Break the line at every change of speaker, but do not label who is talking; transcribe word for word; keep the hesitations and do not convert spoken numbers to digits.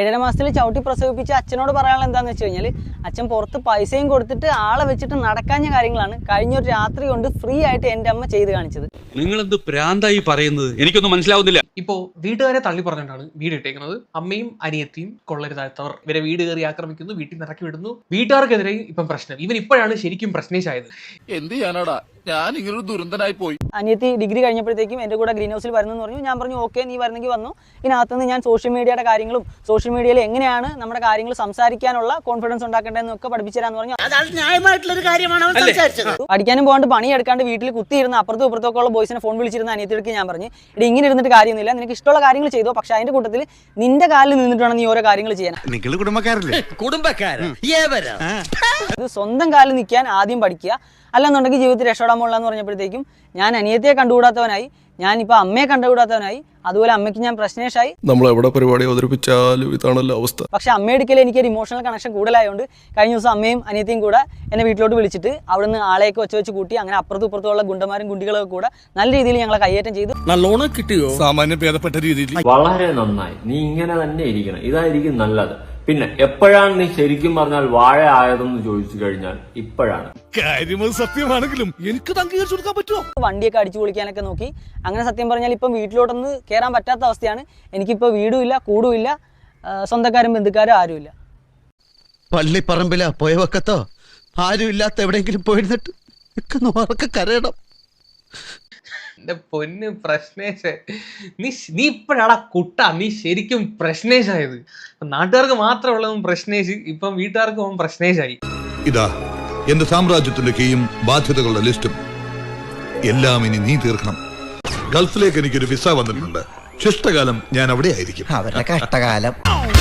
ഏഴര മാസത്തിൽ ചവിട്ടി പ്രസവിപ്പിച്ച് അച്ഛനോട് പറയാനുള്ള എന്താണെന്ന് വെച്ച് കഴിഞ്ഞാൽ അച്ഛൻ പുറത്ത് പൈസയും കൊടുത്തിട്ട് ആളെ വെച്ചിട്ട് നടക്കാഞ്ഞ കാര്യങ്ങളാണ് കഴിഞ്ഞൊരു രാത്രി കൊണ്ട് ഫ്രീ ആയിട്ട് എൻ്റെ അമ്മ ചെയ്ത് കാണിച്ചത്.
നിങ്ങൾ എന്ത് പ്രാന്തായി പറയുന്നത്? എനിക്കൊന്നും മനസ്സിലാവുന്നില്ല.
ഇപ്പോ വീട്ടുകാരെ തള്ളി പറഞ്ഞിട്ടാണ് വീട് ഇട്ടേക്കുന്നത്. അമ്മയും അനിയത്തിയും കൊള്ളരുതാത്തവർ ഇവരെ വീട് കയറി ആക്രമിക്കുന്നു, വീട്ടിൽ നിന്ന് ഇറക്കി വിടുന്നു. വീട്ടുകാർക്കെതിരെ ഇപ്പം പ്രശ്നം. ഇവൻ ഇപ്പോഴാണ് ശരിക്കും പ്രശ്നേഷായത്.
എന്ത് ചെയ്യാനാടാ, ഞാൻ ഇങ്ങനൊരു ദുരന്തനായി പോയി.
അനിയത്തി ഡിഗ്രി കഴിഞ്ഞപ്പോഴത്തേക്കും എൻ്റെ കൂടെ ഗ്രീൻ ഹൗസിൽ വരുന്നെന്ന് പറഞ്ഞു. ഞാൻ പറഞ്ഞു ഓക്കെ, നീ വരുന്നെങ്കിൽ വന്നു. ഇതിനകത്തുനിന്ന് ഞാൻ സോഷ്യൽ മീഡിയയുടെ കാര്യങ്ങളും സോഷ്യൽ മീഡിയയിൽ എങ്ങനെയാണ് നമ്മുടെ കാര്യങ്ങൾ സംസാരിക്കാനുള്ള കോൺഫിഡൻസ് ഉണ്ടാക്കേണ്ടതെന്നൊക്കെ പഠിപ്പിച്ചു തരാന്ന് പറഞ്ഞു. പഠിക്കാനും പോകാണ്ട് പണിയെടുക്കാണ്ട് വീട്ടിൽ കുത്തിയിരുന്ന അപ്പുറത്തും ഇപ്പുറത്തൊക്കെ ഉള്ള ബോയ്സിനെ ഫോൺ വിളിച്ചിരുന്ന അനിയത്തിക്ക് ഞാൻ പറഞ്ഞു, ഇത് ഇങ്ങനെ ഇരുന്നിട്ട് കാര്യമൊന്നുമില്ല, നിനക്ക് ഇഷ്ടമുള്ള കാര്യങ്ങൾ ചെയ്തോ, പക്ഷെ അതിന്റെ കൂട്ടത്തിൽ നിന്റെ കാലിൽ നിന്നിട്ട് വേണം നീ ഓരോ കാര്യങ്ങൾ ചെയ്യാൻ. ഇത് സ്വന്തം കാലിൽ നിൽക്കാൻ ആദ്യം പഠിക്കുക, അല്ലെന്നുണ്ടെങ്കിൽ ജീവിതത്തിൽ രക്ഷപ്പെടാൻ പോകണമെന്ന് പറഞ്ഞപ്പോഴത്തേക്കും ഞാൻ അനിയത്തിയെ കണ്ടുകൂടാത്തവനായി, ഞാനിപ്പോൾ അമ്മയെ കണ്ടുകൂടാത്തവനായി, അതുപോലെ അമ്മയ്ക്ക് ഞാൻ പ്രശ്നേഷായി.
നമ്മൾ എവിടെ പരിപാടി അവതരിപ്പിച്ചാലും ഇതാണല്ലോ അവസ്ഥ.
പക്ഷെ അമ്മയെടുക്കൽ എനിക്കൊരു ഇമോഷണൽ കണക്ഷൻ കൂടുതലായതുകൊണ്ട് കഴിഞ്ഞ ദിവസം അമ്മയും അനിയത്തിയും കൂടെ എന്നെ വീട്ടിലോട്ട് വിളിച്ചിട്ട് അവിടുന്ന് ആളെയൊക്കെ വെച്ച് വെച്ച് കൂട്ടി അങ്ങനെ അപ്പുറത്തും ഇപ്പുറത്തുള്ള ഗുണ്ടന്മാരും കുണ്ടികളൊക്കെ കൂടെ നല്ല രീതിയിൽ ഞങ്ങളെ കയ്യേറ്റം ചെയ്തു.
നല്ലോണം കിട്ടിയോ? സാമാന്യം ഭേദപ്പെട്ട രീതിയിൽ.
വളരെ നന്നായി, നീ ഇങ്ങനെ തന്നെ ഇരിക്കണം, ഇതായിരിക്കും നല്ലത്. പിന്നെ എപ്പോഴാണ് നീ ശരിക്കും പറഞ്ഞാൽ വാഴ ആയതെന്ന് ചോദിച്ചു കഴിഞ്ഞാൽ ഇപ്പോഴാണ്.
കാര്യം സത്യമാണെങ്കിലും എനിക്ക് അംഗീകരിച്ചു കൊടുക്കാൻ പറ്റുമോ?
വണ്ടിയൊക്കെ അടിച്ചു പൊളിക്കാനൊക്കെ നോക്കി. അങ്ങനെ സത്യം പറഞ്ഞാൽ ഇപ്പം വീട്ടിലോട്ടൊന്ന് കയറാൻ പറ്റാത്ത അവസ്ഥയാണ്. എനിക്കിപ്പോൾ വീടുമില്ല, കൂടുമില്ല, സ്വന്തക്കാരും ബന്ധുക്കാരും ആരുമില്ല.
പള്ളിപ്പറമ്പില പോയ വക്കത്തോ ആരും ഇല്ലാത്ത എവിടെയെങ്കിലും പോയിരുന്നിട്ട് കരയണം.
എന്റെ പൊന്ന് പ്രശ്നേഷ്, നീ നീ ഇപ്പോഴാടാ കുട്ട, നീ ശരിക്കും പ്രശ്നേഷായത്. നാട്ടുകാർക്ക് മാത്രമുള്ളതും പ്രശ്നേഷ്, ഇപ്പം വീട്ടുകാർക്ക് അവൻ പ്രശ്നേഷായി.
ഇതാ എന്റെ സാമ്രാജ്യത്തിന്റെ കീയും ബാധ്യതകളുടെ ലിസ്റ്റും എല്ലാം ഇനി നീ തീർക്കണം. ഗൾഫിലേക്ക് എനിക്കൊരു വിസ വന്നിട്ടുണ്ട്. ശിഷ്ടകാലം ഞാൻ അവിടെ ആയിരിക്കും.
അവരുടെ കഷ്ടകാലം.